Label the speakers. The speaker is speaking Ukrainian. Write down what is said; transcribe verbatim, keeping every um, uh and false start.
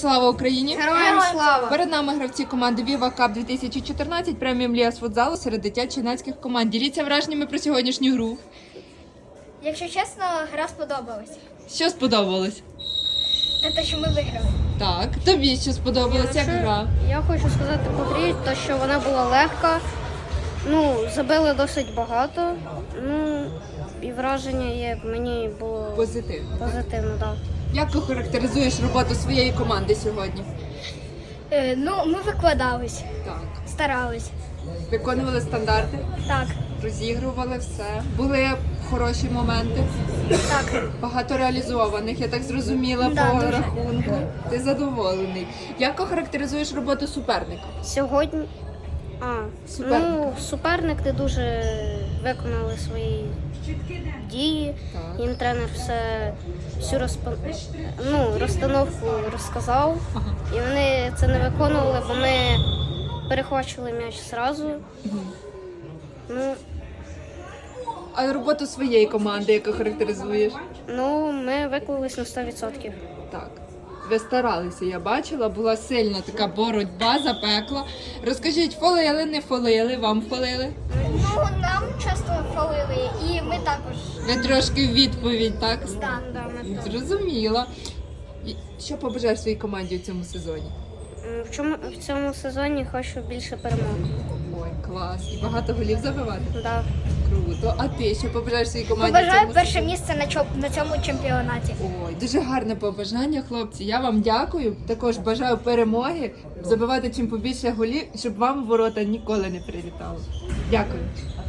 Speaker 1: Слава Україні!
Speaker 2: Героям слава!
Speaker 1: Перед нами гравці команди Viva Cup дві тисячі чотирнадцять преміум Ліга з футзалу серед дитячо-юнацьких команд. Діліться враженнями про сьогоднішню гру.
Speaker 2: Якщо чесно, гра сподобалась.
Speaker 1: Що сподобалось?
Speaker 2: Та те, що ми виграли.
Speaker 1: Так, тобі що сподобалось, як гра?
Speaker 3: Я хочу сказати по грі, то, що вона була легка, ну, забили досить багато, ну, і враження є, мені було
Speaker 1: Позитивно.
Speaker 3: позитивно, так.
Speaker 1: Як охарактеризуєш роботу своєї команди сьогодні?
Speaker 2: Е, ну, ми викладались,
Speaker 1: Так.
Speaker 2: старались.
Speaker 1: Виконували стандарти,
Speaker 2: Так,
Speaker 1: розігрували все. Були хороші моменти,
Speaker 2: так.
Speaker 1: багато реалізованих, я так зрозуміла,
Speaker 2: Да,
Speaker 1: по
Speaker 2: дуже.
Speaker 1: рахунку. Ти задоволений. Як охарактеризуєш роботу суперника?
Speaker 3: Сьогодні, а,
Speaker 1: Суперника.
Speaker 3: ну, суперник не дуже виконали свої дії,
Speaker 1: Так.
Speaker 3: їм тренер все, всю розпо... ну, розстановку розказав,
Speaker 1: Ага.
Speaker 3: і вони це не виконували, бо ми перехвачували м'яч зразу. Ну,
Speaker 1: А роботу своєї команди як охарактеризуєш?
Speaker 3: ну, ми виклались на сто відсотків.
Speaker 1: Так. Ви старалися, я бачила, була сильна така боротьба, запекла. Розкажіть, фолили, не фолили, вам фолили?
Speaker 2: Ну, нам часто фалили, і ми також.
Speaker 1: Ви трошки в відповідь, так?
Speaker 2: Так.
Speaker 3: Да, ми так.
Speaker 1: Зрозуміла. І що побажаєш своїй команді у цьому сезоні?
Speaker 3: М, В чому в цьому сезоні хочу більше перемог.
Speaker 1: Ой, клас. І багато голів забивати?
Speaker 3: Да.
Speaker 1: Круто. А ти що побажаєш своїй команді? в
Speaker 2: Побажаю
Speaker 1: цьому
Speaker 2: перше
Speaker 1: сезоні?
Speaker 2: місце на, чо- на цьому чемпіонаті.
Speaker 1: Ой, дуже гарне побажання, хлопці. Я вам дякую. Також бажаю перемоги, забивати чим побільше голів, щоб вам в ворота ніколи не прилітало. Дякую.